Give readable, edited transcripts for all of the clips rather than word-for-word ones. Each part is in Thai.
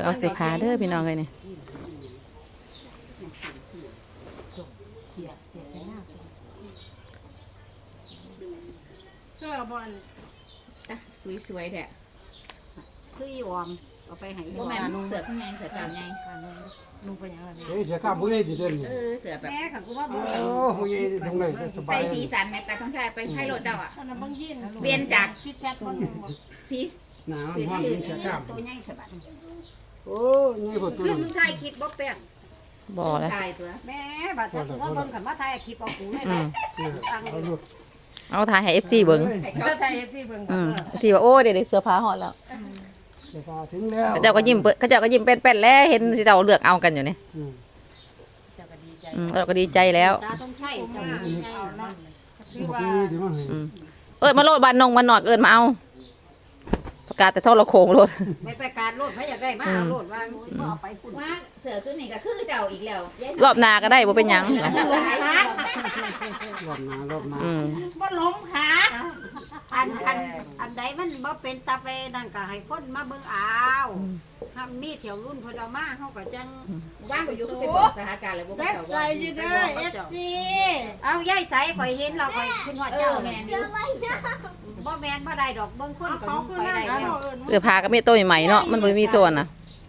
เอาเสื้อผ้าเด้อพี่น้องเลยนี่เสื้อบอลสวยๆแท้คืออีวอมเอาไปให้บ่แม่นเสือพี่แม่เสือกามใหญ่นุ่งไปยังไงเฮ้ยเสียข้ามผู้ใหญ่ดิเด่นเสือแบบแม่ค่ะกูว่าบ่โอ้ผู้ใหญ่ตรงไหนสบาใส่ยสีสันแม่ตาท้องชายไปให้รถเจ้าอ่ะเปลี่ยนจากสีหนาวห้อนเสียข้ามตัวใหญ่ฉบับโอ้ยพอตัวคือมึงถ่ายคลิปบ่แป้งบ่แล้วถ่ายตัวแม่บัดถ้าถือว่าเบิ่งคันว่าถ่ายคลิปเอากูได้ไหมเอาลูกเอาถ่ายให้ FC เบิ่งก็ถ่าย FC เบิ่งที่ว่าโอ้เดี๋ยวเสื้อผ้าฮอดแล้วเสียข้าถึงแล้วเขาเจ้าก็ยิ้มเป็นๆแล้วเห็นสิเจ้าเลือกเอากันอยู่นี่เราก็ดีใจแล้วตาต้องใช่เจ้าดีใจเนาะบอกนี่ถึงมาให้เอิ้นมาโลดบ้านนงบ้านนอกเอิ้นมาเอาประกาศแต่โทรโขงโลดไม่ไปการโลดพระอยากได้มาเอาโลดว่าเอาไปคุณว่าเสือขึ้นนี่ก็คือเจ้าอีกแล้วรอบหน้าก็ได้บ่เป็นหยังรอบหน้าบ่ล้มขาอันใดมันบ่เป็นตาไปนั่นก็ให้คนมาเบิ่งเอาถ้ามีแถวรุ่นเพิ่นเอามาเฮาก็จังว่างอยู่เป็นสถานการณ์เลยบ่เป็นใส่อยู่เด้อ FC เอายายใส่ข่อยเห็นเราข่อยขึ้นฮอดเจ้าแม่นอยู่บ่แม่นบ่ได้ดอกเบิ่งคนก็ไปได้แล้วเสื้อผ้าก็มีตัวใหม่ๆเนาะมันบ่มีตัวน่ะ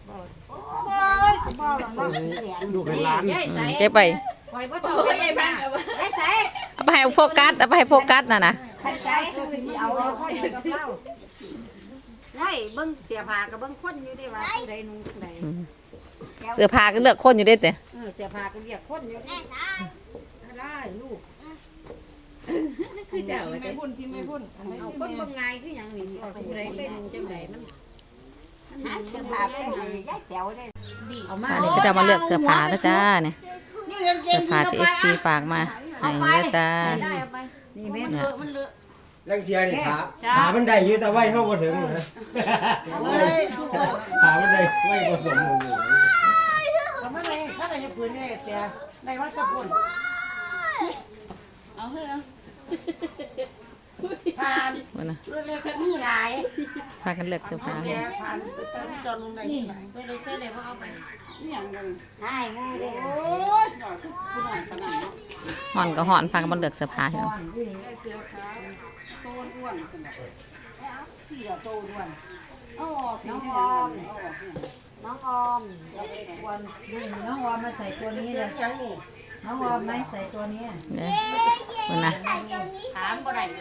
ลูกให้หลานยายใส่เก็บไปข่อยบ่ต้องไปยายบ้างยายใส่เอาไปให้โฟกัสน่ะนะคันใจซื้อสิเอาคนเดียวกับเราไว้เบิ่งเสียผ้ากับเบิ่งคนอยู่ดิว่าผู้ใดนุ่งผู้ใดเสื้อผ้าก็เลือกคนอยู่เด้แต่เสียผ้าก็เรียกคนอยู่ดิได้ลูกนั่นคือเจ้าไม่พุ่นที่ไม่พุ่นเอาคนเบิ่งไงคือหยังนี่ผู้ใดเป็นจังไดมันเสื้อผ้าเป็นยายแต๋วได้เอามาอันนี้ก็จะมาเลือกเสื้อผ้านะจ้าเนี่ยเสื้อผ้าที่ FC ฝากมาให้นะจ้านี่แม่มันเลอะลังเทียนี่ขามันได้อยู่แต่ไว้เข้าบ่ถึงนะขามันได้ไว้ผสมหมู่ทำอะไรถ้าอะไรจะปืนเนี่ยแต่ในวัดจะพุ่นเอาเถอะผ่านว่านะเรื่องคันนี้หลายพากันเลือกเสื้อผ้าผ่านตอนจอดลงได้นี่ไปเลยเสื้อเลยว่าเอาไปนี่อย่างเงี้ยใช่งูเด็กโอ้ยหน่อยผู้หน่อยขนาดนี้ห่อนก็ห่อนพากันมาเลือกเสื้อผ้าเนาะเสื้อขาวโตอ้วนขนาดพี่เราโตอ้วนน้องออมน้องออมน้องออมน้องออมมาใส่ตัวนี้เลยน้องออมไหมใส่ตัวนี้เนี่ยว่านะถามบ่ได้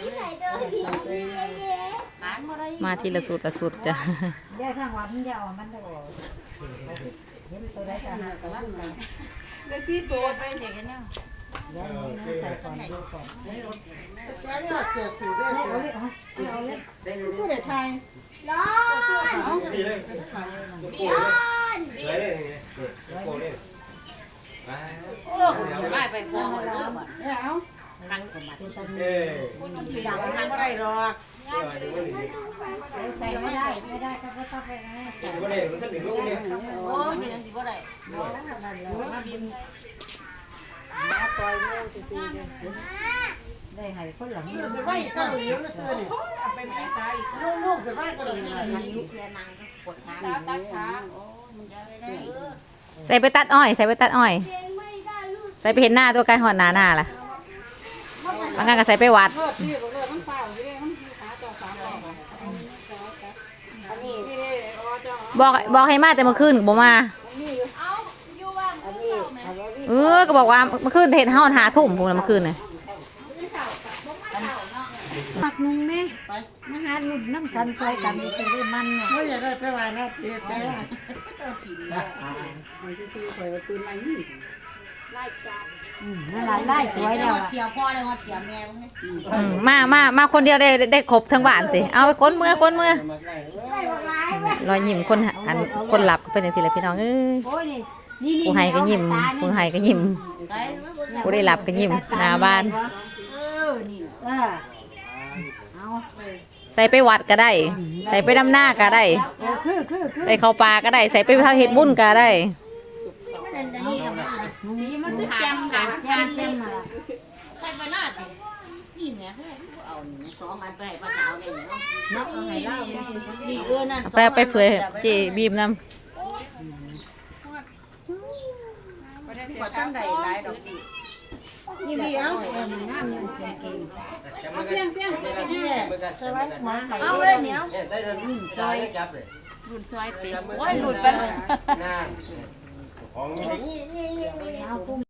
ถามบ่ได้มาทีละสุดจ้ะแยกทางวัดมันจะออกมันจะออกเห็นตัวได้ก็หากันลั่นเลยแล้วที่ตัวไปเด็กเนี่ยเดี๋ยวนี้ใส่ก่อนดูก่อนแต่ไม่เอาเสื้อสูทด้วยเอาเลยผู้ใดไทยร้อนนี่เลยโป้เลยเลยโป้เลยไปโอ้ไล่ไปพอแล้วเอาทางสมบัติเอ้ยที่ดังทางบ่ได้หรอกเดี๋ยวนี้ใส่ไม่ได้ก็ต้องไปนะเดี๋ยวนี้มันสนิทลูกเนี่ยโอ้ยมันยังสิบ่ได้มาบินมาปล่อยงูสิได้ให้คนหลังนี่ไปไว้ก็เหลือมาซื้อนี่ไปแม่ตายลูกๆขึ้นมาก็เลยมันมีเสียนังปวดขาตัดขาโอ้มันจะไม่ได้ใส่ไปตัดอ้อย ใส่ไปเห็นหน้าตัวไกลหอดหน้าล่ะบางครั้งก็ใส่ไปวัดบอกให้มาแต่เมื่อคืนก็บ่มาก็บอกว่าเมื่อคืนเห็นห้องหาทุ่มพวกนั้นเมื่อคืนเนี่ยปักนุ่งแม่มาหาลุ่นน้ำกันใส่กันเป็นเรื่องมันเนี่ยไม่อยากได้ไปว่านะเจ๊แต่มันจะซื้อไปว่าปืนอะไรนี่ไล่จับไล่สวยแล้วเสียพ่อเลยว่าเสียแม่มาคนเดียวได้ครบทั้งบ้านสิเอาไปค้นเมื่อรอยยิ้มคนหลับเป็นอย่างสิเลยพี่น้องเอ้ยผู้ให้ก็ยิ้มผู้ได้หลับก็ยิ้มหน้าบ้านใส่ไปวัดก็ได้ ใส่ไปดำหน้าก็ได้ไปเข้าป่าก็ได้ใส่ไปทำเห็ดบุญก็ได้สีมันคือแจ่มค่ะแจ่มมาใส่ไปหน้าสินี่แม่เอาสองอันไปภาษาเนี่ยเนาะเอาให้เล่าดีนั่นไปเผื่อเจบีมนำกว่าจังได๋หลายดอกนี่มีเอางามอยู่เก่งเอาเสียงใช่ไหมมาๆเอาเลยเหนียวได้เลยซอยจับเลยรุ่นซอยติโอ้ยหลุดไปหน้าของ